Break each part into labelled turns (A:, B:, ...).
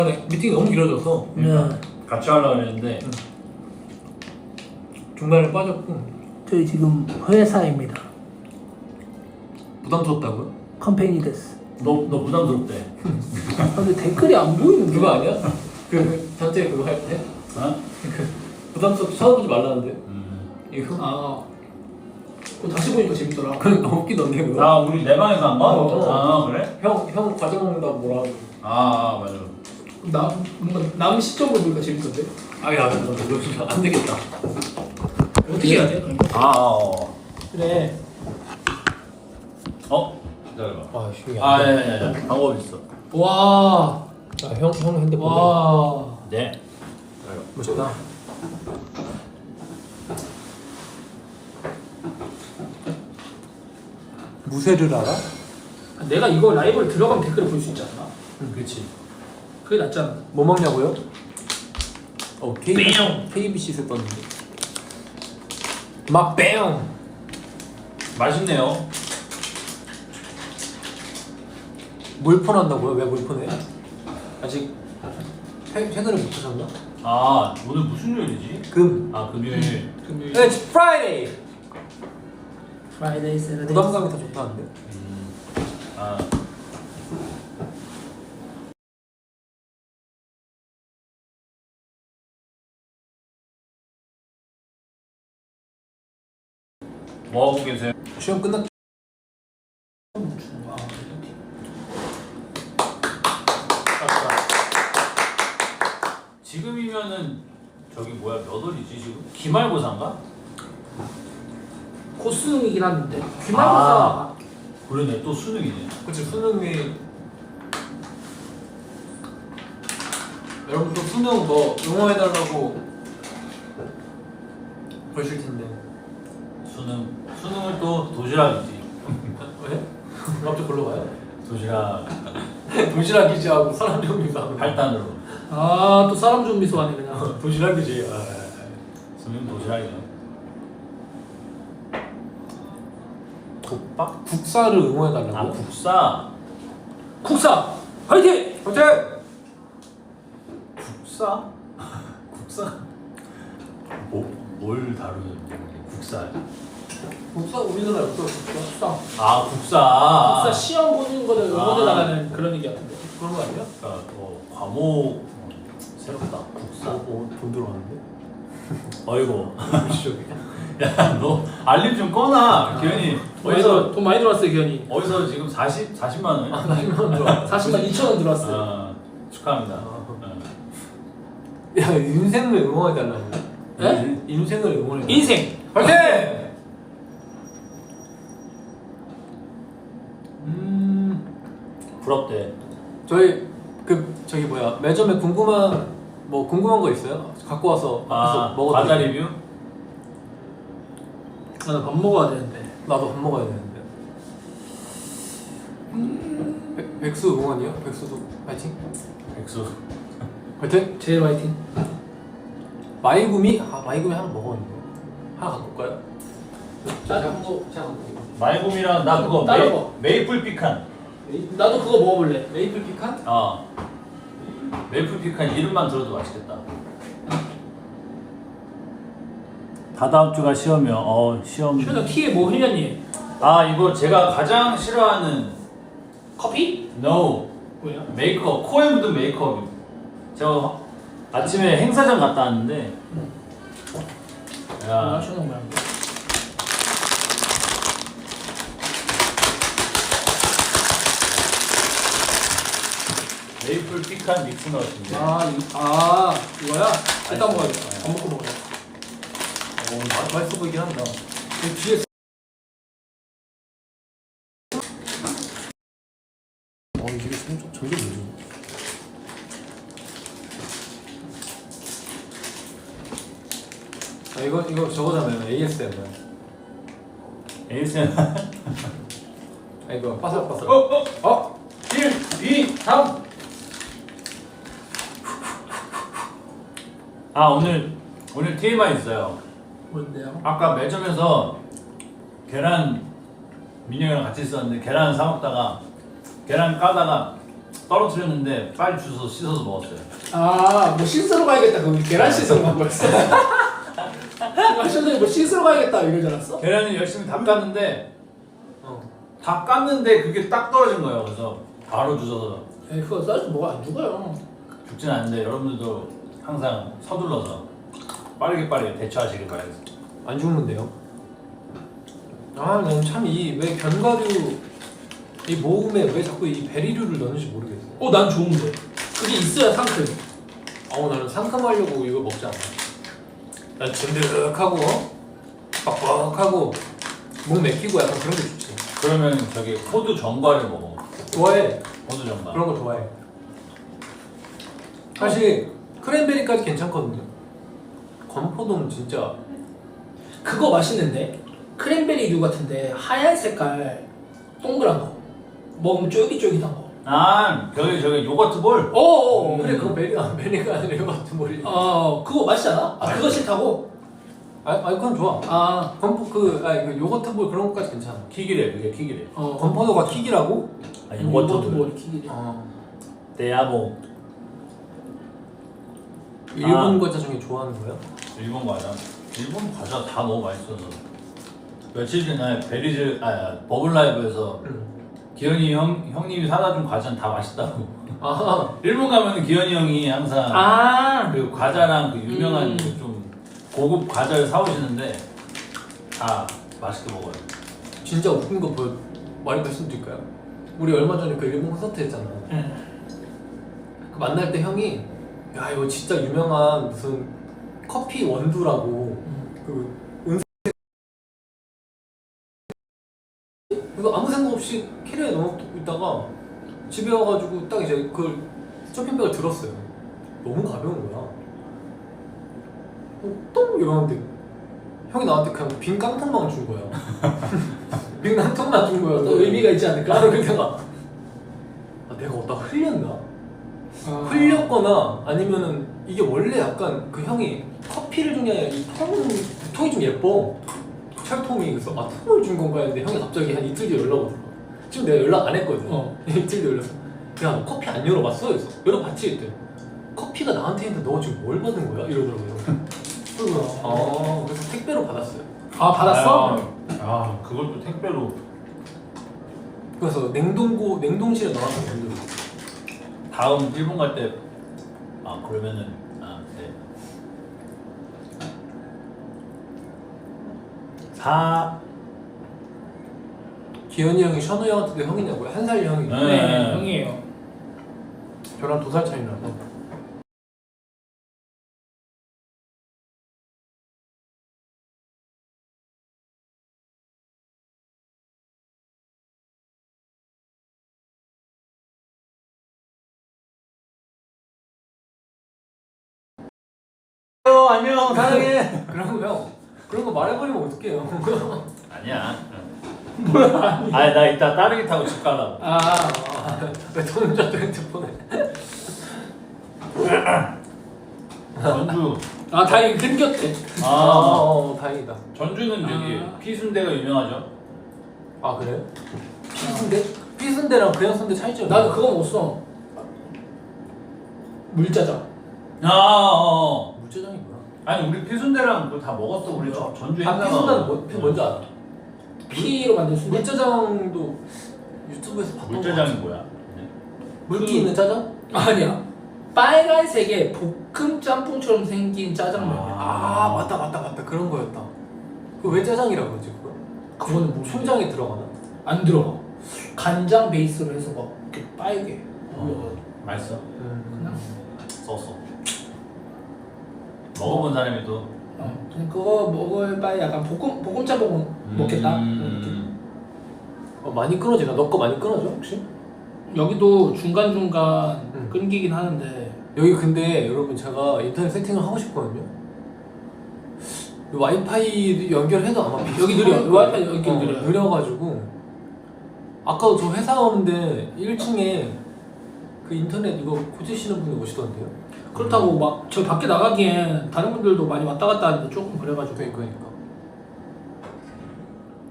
A: 미팅이 너무 길어져서
B: 같이 하려고 했는데
A: 중간에 빠졌고.
C: 저희 지금 회사입니다.
A: 부담스럽다고요?
C: 컴퍼니 데스.
B: 너 부담스럽대.
C: 근데 댓글이 안 보이는데.
A: 그거 아니야? 그 단체 그거 할 때?
B: 어?
A: 부담스럽게 쳐다보지 말라는데. 이거?
C: 아, 그거 다시 보니까 재밌더라.
A: 그건 너무 웃기던데 그거.
B: 아 우리 내 방에서 한 번?
A: 어.
B: 아 그래?
A: 형 과자 먹는다고 뭐라 하고.
B: 맞아.
C: 뭔가 남 시점으로 보니까 재밌던데.
A: 아야 너 진짜 안 되겠다.
C: 어떻게 해야 돼? 그래.
B: 기다려봐.
A: 아 쉬운 게
B: 예. 방법 있어.
C: 와.
A: 형 핸드폰.
C: 와.
B: 네.
A: 멋있다. 무쇠를 알아?
C: 내가 이거 라이브를 들어가면 댓글을 볼 수 있지 않나?
A: 그렇지.
C: 그게 낫잖아.
A: 뭐 먹냐고요?
C: 뺑!
A: KBC에서 떴는데. 막 뺑!
B: 맛있네요.
A: 물폰 한다고요? 왜 물폰해? 아직 채널을 못 하셨나?
B: 오늘 무슨 요일이지?
A: 금.
B: 금요일.
C: 금요일.
A: It's Friday!
C: 프라이데이 세러데이.
A: 부담감이 더 좋다는데?
B: 뭐 하고 계세요?
A: 시험 끝났.
B: 지금이면은 저기 뭐야 몇 월이지 지금? 기말고사인가?
C: 곧 수능이긴 한데. 기말고사.
B: 그러네 또 수능이네.
A: 그치 수능이. 여러분 또 수능 뭐 응원해달라고 그러실 텐데.
B: 수능을 또 도시락이지.
A: 왜? 갑자기 걸로 가요?
B: 도시락
A: 도시락이지 하고 사람 정리하고
B: 8단으로.
C: 또 사람 좀 미소하네 그냥.
A: 도시락이지.
B: 수능 도시락이네.
A: 국밥? 국사를 응원해달라고?
B: 국사.
C: 국사 화이팅!
A: 화이팅!
B: 국사? 국사? 뭘 다루는 국사?
A: 국사 우리나라에 없어. 국사.
B: 국사.
C: 국사 시험 보는 거를 응원해 나가는 그런 얘기 같은데.
A: 그런 거 아니야?
B: 과목 새롭다. 국사.
A: 돈 들어왔는데?
B: 어이구.
A: 무시적이야.
B: 야, 너 알림 좀 꺼놔. 기현이
C: 돈 많이 들어왔어요 기현이.
B: 어디서 지금 40만 원?
A: 40만 원 들어와.
C: 40만 2천 원 들어왔어요.
B: 축하합니다.
A: 야 인생을 응원해달라고.
C: 네?
A: 인생을 응원해.
C: 인생
A: 화이팅!
B: 부럽대.
A: 저기 뭐야 매점에 궁금한 거 있어요? 갖고 와서 앞에서 먹어도
B: 과자
A: 돼?
B: 리뷰?
C: 나 밥 먹어야 되는데.
A: 나도 밥 먹어야 되는데. 백수 응원이요? 백수도 파이팅?
B: 백수.
A: 파이팅?
C: 제일 화이팅.
A: 마이구미 하나 먹었는데 하나 갖고 올까요?
C: 제가 갖고 올게요.
B: 마이곰이랑 나 그거
C: 따로 먹어.
B: 메이플 피칸.
C: 나도 그거 먹어볼래.
A: 메이플 피칸?
B: 메이플 피칸 이름만 들어도 맛있겠다. 다다음 주가 시험이요. 시험.
C: 최근 티에 뭐 흘렸니?
B: 이거 제가 가장 싫어하는
C: 커피?
B: No
C: 뭐야?
B: 메이크업, 코에 묻은 메이크업. 제가 아침에 행사장 갔다 왔는데
C: 뭐
B: 야,
C: 하시는 거야?
B: 메이플 피칸 믹스 넣었는데
C: 이거야? 일단 먹어야겠다. 안 먹고 먹어야
A: 맛있어 보이긴 한다.
C: 뒤에
A: 이게 점점 늦어. 이거 저거잖아요. ASMR.
B: ASMR.
A: 이거 바삭바삭.
B: 1, 2, 3. 오늘 TMI 있어요.
C: 뭔데요?
B: 아까 매점에서 계란 민영이랑 같이 있었는데 계란 사 먹다가 계란 까다가 떨어뜨렸는데 빨리 주워서 씻어서 먹었어요.
C: 아, 뭐 씻으러 가야겠다. 그럼 계란 씻으러 간 거였어. 마션들이 뭐 씻으러 가야겠다 이러지 않았어?
B: 계란을 열심히 다 깠는데 다 깠는데 그게 딱 떨어진 거예요. 그래서 바로 주워서
C: 에이, 그거 싸서 뭐가 안 죽어요.
B: 죽진 않는데 여러분들도 항상 서둘러서 빠르게 대처하시길 바라겠습니다.
A: 안 죽는데요? 아, 난 참 이 왜 견과류 이 모음에 왜 자꾸 이 베리류를 넣는지 모르겠어.
C: 난 좋은데. 그게 있어야 상큼.
A: 나는 상큼하려고 이거 먹지 않아. 난 진득하고 빡빡하고 목 맥히고 약간 그런 게 좋지.
B: 그러면 저기 호두 전과를 먹어.
A: 좋아해.
B: 호두 전과.
A: 그런 거 좋아해. 사실 크랜베리까지 괜찮거든요. 건포도는 진짜
C: 그거 맛있는데 크랜베리류 같은데 하얀 색깔 동그란 거 먹으면 쫄깃쫄깃한 거.
B: 아, 저기 요거트 볼.
C: 어어.
A: 그래 그거 베리가 아니라 이거 같은 머리.
C: 그거 맛있지 않아? 그거 싫다고?
A: 아니 그건 좋아. 건포 그 요거트 볼 그런 것까지 괜찮아.
B: 킥이래, 그게 킥이래.
A: 건포도가 킥이라고?
B: 요거트 볼.
C: 뭘 킥이래.
B: 대야모.
A: 일본 과자 중에 좋아하는 거야?
B: 일본 과자. 일본 과자 다 너무 맛있어서. 며칠 전에 버블라이브에서 기현이 형님이 사다 준 과자는 다 맛있다고. 일본 가면 기현이 형이 항상 그 과자랑 그 유명한 그 좀 고급 과자를 사오시는데 다 맛있게 먹어요.
A: 진짜 웃긴 거 많이 말씀드릴까요? 우리 얼마 전에 그 일본 콘서트 했잖아. 그 만날 때 형이 야 이거 진짜 유명한 무슨 커피 원두라고 그 은색 그거 아무 생각 없이 캐리어에 넣어놓고 있다가 집에 와가지고 딱 이제 그걸 쇼핑백을 들었어요. 너무 가벼운 거야. 똥 이러는데 형이 나한테 그냥 빈 깡통만 준 거야. 빈 깡통만 준 거야.
C: 또 의미가 있지 않을까?
A: 그래서 내가 내가 어디다 흘렸나? 흘렸거나 아니면은 이게 원래 약간 그 형이 커피를 준 게 아니라 이 통이 좀 예뻐. 철통이. 그래서 통을 준 건가 했는데 형이 갑자기 한 이틀 뒤에 연락 오더라. 지금 내가 연락 안 했거든. 이틀 뒤에 연락서 야 너 커피 안 열어봤어? 그래서 열어봤지 이때. 커피가 나한테 있는데 너 지금 뭘 받은 거야? 이러더라고요. 그래서 택배로 받았어요.
C: 받았어?
B: 그걸 또 택배로.
A: 그래서 냉동실에 넣어서 만들고.
B: 다음 일본 갈 때 그러면은 네.
A: 기현이 형이 션우 형한테도 형이냐고요? 한 살 형이.
C: 네, 형이에요.
A: 저랑 2살 차이 나서. 안녕 사랑해. 그런 거 말해버리면 어떡해요.
B: 아니야. 나 이따 따르기 타고 집 가려고.
A: 왜 혼자 또 핸드폰에.
B: 전주.
C: 다행히 끊겼대.
A: 다행이다.
B: 전주는 여기 피순대가 유명하죠.
A: 그래요? 피순대? 피순대랑 그냥 순대 차이점이
C: 나도 그거 먹었어. 물짜장.
A: 물짜장이 뭐야?
B: 아니 우리 피순대랑 그거 다 먹었어. 우리 전주 행사가.
A: 피순대는 뭔지 알아?
C: 피로 만든 순대?
A: 물짜장도 유튜브에서 봤던 거
B: 물짜장이 뭐야?
A: 물기 있는 짜장?
C: 아니야. 빨간색의 볶음 짬뽕처럼 생긴 짜장면이야.
A: 맞다 그런 거였다. 그 왜 짜장이라고 그러지 그거?
C: 그거는 뭐
A: 춘장에 들어가나?
C: 안 들어가. 간장 베이스로 해서 막 이렇게 빨개.
B: 맛있어.
C: 그냥
B: 썼어. 먹어본 사람이 또.
C: 그냥 그거 먹을 바에 약간 볶음 짬뽕 먹겠다.
A: 많이 끊어지나? 너 거 많이 끊어져 혹시?
C: 여기도 중간중간 끊기긴 하는데
A: 여기 근데 여러분 제가 인터넷 세팅을 하고 싶거든요. 와이파이 연결해도 아마
C: 여기 느려. 와이파이 연결 느려요.
A: 느려가지고 아까도 저 회사 오는데 1층에 그 인터넷 이거 고치시는 분이 오시던데요.
C: 그렇다고 막 저 밖에 나가기엔 다른 분들도 많이 왔다 갔다 하는데 조금 그래가지고.
A: 그러니까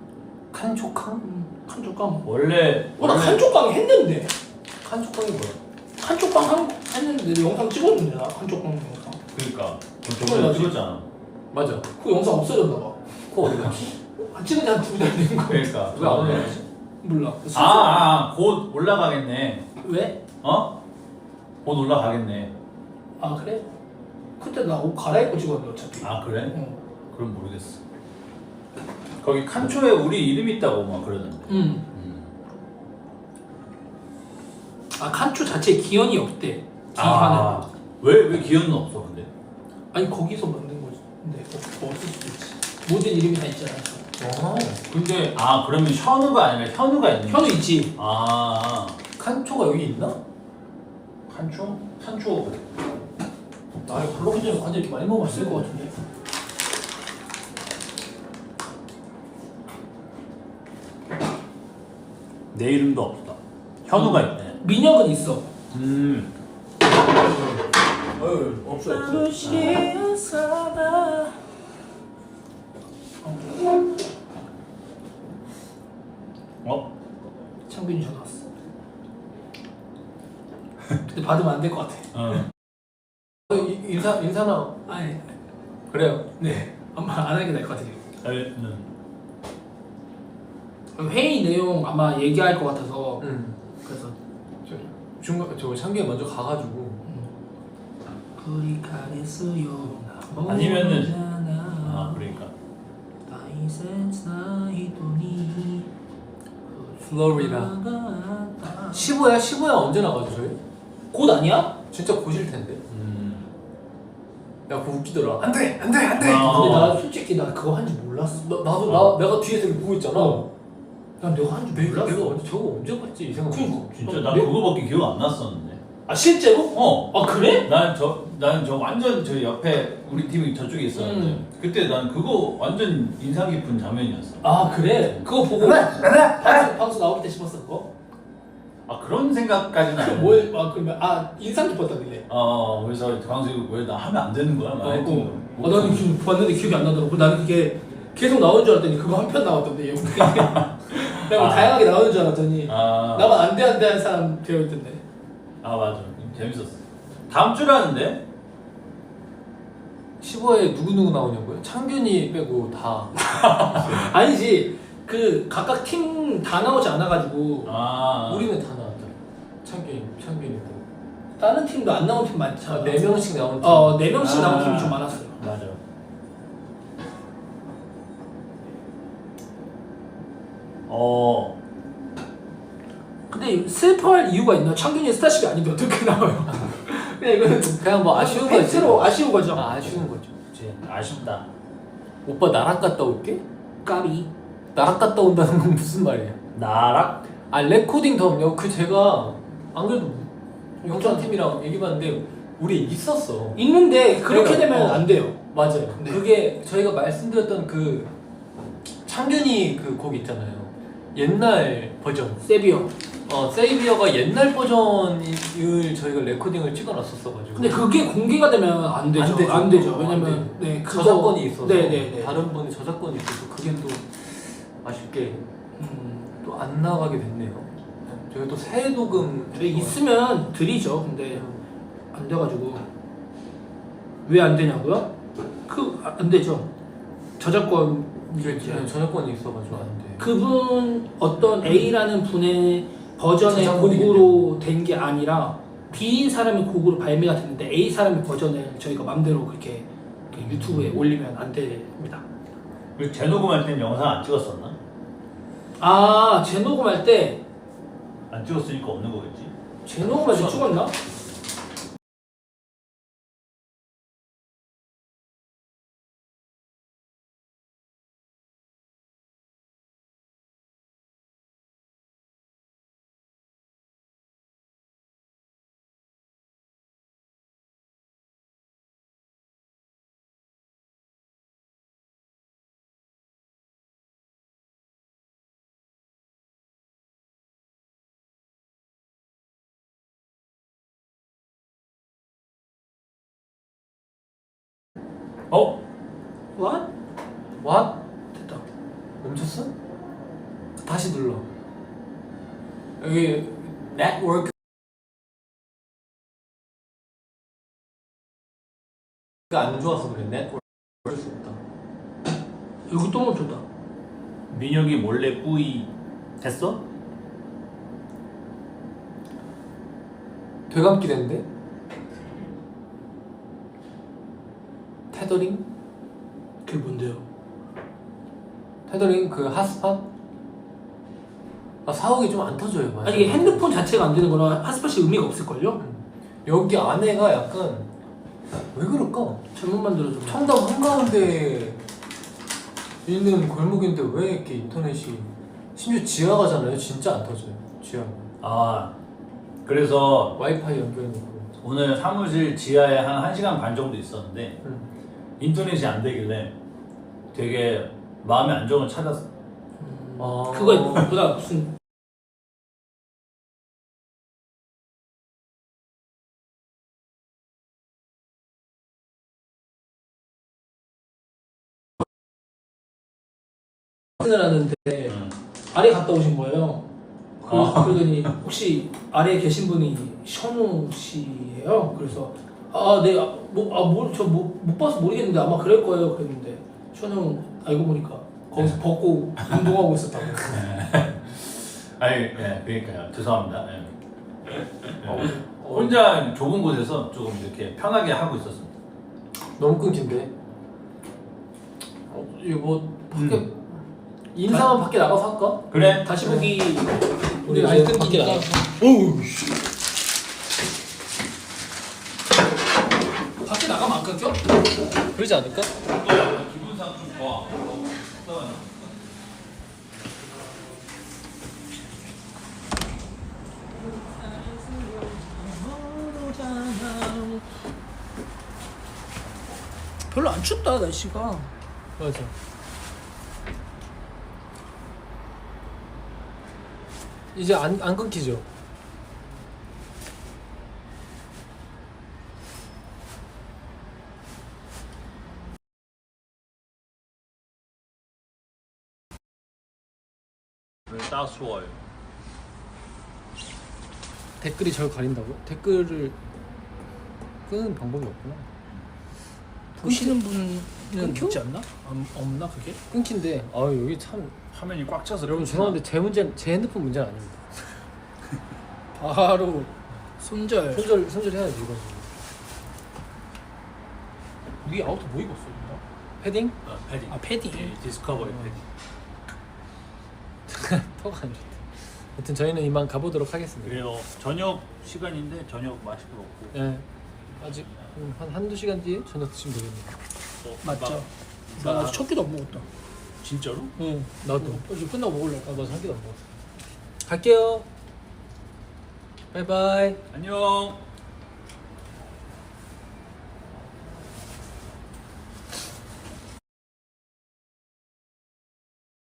A: 칸초캉?
C: 칸초깡.
B: 원래
C: 나 칸초깡 했는데.
A: 칸초캉이 뭐야?
C: 칸쪽방 했는데 영상 찍었는데 나 칸쪽방 영상.
B: 그러니까 저번에 찍었잖아.
A: 맞아.
C: 그 영상 없어졌나 봐.
A: 그거 어디 갔지?
C: 찍은 지한 2달 된 거.
B: 그러니까
A: 왜 안 올라가지?
C: 몰라.
B: 곧 올라가겠네.
C: 왜?
B: 어? 곧 올라가겠네.
C: 아 그래? 그때 나 옷 갈아입고 찍었는데 어차피.
B: 아 그래?
C: 어.
B: 그럼 모르겠어. 거기 칸초에 우리 이름 있다고 막 그러던데.
C: 아 칸초 자체에 기현이 없대.
B: 아,
C: 기현은.
B: 왜 기현은 없어 근데?
C: 아니 거기서 만든 거지. 근데 없을 수도 있지. 모든 이름이 다 있잖아.
A: 근데
B: 그러면 현우가 아니라 현우가 있는
C: 현우 있지.
A: 칸초가 여기 있나?
B: 칸초? 칸초
C: 아 블로그 전에 과자 이렇게 많이 먹어봤을 것 같은데.
B: 내 이름도 없다. 현우가 있네.
C: 민혁은 있어.
A: 없어.
C: 창균이 전화 왔어. 근데 받으면 안 될 것 같아.
A: 인사나
C: 아니
A: 그래요.
C: 네 아마 안 하는 게 나을 것 같아요.
B: 응.
C: 회의 내용 아마 얘기할 것 같아서 그래서
A: 저 창규 먼저 가가지고
C: 불이 가겠어요.
B: 아니면은 그러니까
A: 플로리다 15야 언제 나가죠 저희?
C: 곧 아니야?
A: 진짜 곧일 텐데. 야 그거 웃기더라. 안돼. 근데
C: 근데 나 솔직히 나 그거 한지 몰랐어.
A: 내가 뒤에서 이렇게 보고 있잖아.
C: 난 내가 한지 몰랐어.
A: 내가 저거 언제 봤지 이 생각.
B: 진짜 난 그거밖에 기억 안 났었는데.
C: 아 실제로? 아 그래?
B: 나는 저 완전 저 옆에 우리 팀이 저쪽에 있었는데 그때 난 그거 완전 인상 깊은 장면이었어.
C: 아 그래? 그거 보고 방수 나올 때 씹었어 그거?
B: 그런 생각까지는 안
C: 뭘? 그러면 인상 깊었다길래.
B: 그래서 광수 왜 나 하면 안 되는 거야? 막 했더니
C: 나는 지금 봤는데 기억이 안 나더라고. 나는 그게 계속 나오는 줄 알았더니 그거 한 편 나왔던데 영상이. 내가 뭐 다양하게 나오는 줄 알았더니 나만 안돼 하는 사람 되어 있던데.
B: 맞아. 재밌었어. 다음 주라는데?
A: 15에 누구 나오냐고요? 창균이 빼고 다.
C: 아니지. 그 각각 팀 다 나오지 않아가지고
A: 우리는 다 나왔죠. 창균이고.
C: 다른 팀도 안 나온 팀 많잖아.
A: 4명씩 나온 팀.
C: 4명씩 나온 팀이 좀 많았어요.
B: 맞아.
C: 근데 슬퍼할 이유가 있나? 창균이 스타쉽이 아닌데 어떻게 나와요? 그냥 이거는
A: 그냥 뭐 아쉬운 거지.
C: 팩트로 아쉬운 거죠.
A: 아쉬운 거죠.
B: 그치. 아쉽다.
A: 오빠 나랑 갔다 올게?
C: 까비.
A: 나랑 갔다 온다는 건 무슨 말이야?
B: 나랑?
A: 레코딩 덤요. 제가 안 그래도 영상팀이랑 얘기봤는데 우리 있었어.
C: 있는데 그렇게
A: 그러니까,
C: 되면 안 돼요.
A: 맞아요.
C: 네.
A: 그게 저희가 말씀드렸던 그 창균이 그 곡 있잖아요. 옛날 버전.
C: 세비어.
A: 세이비어가 옛날 버전을 저희가 레코딩을 찍어놨었어가지고.
C: 근데 그게 공개가 되면 안 되죠. 안 되죠. 왜냐면
A: 저작권이 있어서.
C: 네네네.
A: 다른 분이 저작권이 있어서 그게 또 아쉽게 또 안 나가게 됐네요. 저희 또 새 녹음.
C: 근데 있으면 드리죠. 근데 안 돼가지고 왜 안 되냐고요? 안 되죠. 저작권
A: 저작권이 있어가지고 안 돼.
C: 그분 어떤 A라는 분의 버전의
A: 저작권이기
C: 곡으로 된 게 아니라 B인 사람의 곡으로 발매가 됐는데 A 사람의 버전을 저희가 맘대로 그렇게 유튜브에 올리면 안 됩니다.
B: 그 재녹음할 땐 영상 안 찍었었나?
C: 재녹음할 때
B: 안 찍었으니까 없는 거겠지?
C: 재녹음할 때 찍었나? What?
A: What?
C: 됐다.
A: 멈췄어? 다시 눌러. 여기 네트워크 안 좋아서 그랬네. 어쩔 수 없다.
C: 이거 또 멈췄다.
B: 민혁이 몰래 뿌이 했어?
A: 되감기 됐는데? 테더링?
C: 그게 뭔데요?
A: 테더링 그 핫스팟? 아 사옥이 좀 안 터져요. 맞아.
C: 아니 이게 핸드폰 자체가 안 되는 거라 핫스팟이 의미가 없을걸요?
A: 여기 안에가 약간 왜 그럴까?
C: 잘못 만들어줘.
A: 청담 한가운데 있는 골목인데 왜 이렇게 인터넷이 심지어 지하가잖아요. 진짜 안 터져요. 지하.
B: 아 그래서
A: 와이파이 연결해놓고.
B: 오늘 사무실 지하에 한 1시간 반 정도 있었는데 인터넷이 안 되길래 되게 마음의 안정을 찾았어.
C: 그거 보다 무슨 을 하는데 아래 갔다 오신 거예요. 그러더니 혹시 아래에 계신 분이 션우 씨예요. 그래서 못 봐서 모르겠는데 아마 그럴 거예요. 그랬는데 션우 알고 보니까 거기서 벗고 운동하고 있었다고.
B: 아니, 예, 그러니까요. 죄송합니다. 예. 혼자 좁은 곳에서 조금 이렇게 편하게 하고 있었습니다.
A: 너무 끊긴데. 이거 뭐 밖에 인사만 밖에 나가서 할까?
B: 그래.
C: 다시 보기 우리
A: 이제
C: 많이
A: 밖에
C: 끊기니까.
A: 나가.
C: 밖에 나가면 안 끊겨?
A: 그러지 않을까?
B: 기분상 좀 좋아.
C: 별로 안 춥다 날씨가.
A: 맞아. 이제 안 끊기죠?
B: 딱 추워요.
A: 댓글이 저를 가린다고요? 댓글을 끄는 방법이 없구나.
C: 보시는 분은
A: 끊겨?
C: 있지 않나? 없나 그게?
A: 끊긴데 여기 참
B: 화면이 꽉 차서.
A: 여러분 죄송한데 제 핸드폰 문제는 아닙니다.
C: 바로 손절.
A: 손절해야지 이거.
C: 위에 아우터 뭐 입었어? 누나?
A: 패딩?
B: 패딩.
C: 패딩.
B: 예, 디스커버리 패딩.
A: 터가 안 좋대. 하여튼 저희는 이만 가보도록 하겠습니다.
B: 그래요. 저녁 시간인데 저녁 맛있게 먹고.
A: 예. 아직 한 한두 시간 뒤에 저녁 드시면 되겠네요.
C: 맞죠? 나 아직 첫 끼도 안 먹었다.
B: 진짜로?
C: 응.
A: 나도.
C: 이제 끝나고 먹으려고.
A: 나도 한 끼도 안 먹었어. 갈게요. 바이바이.
B: 안녕.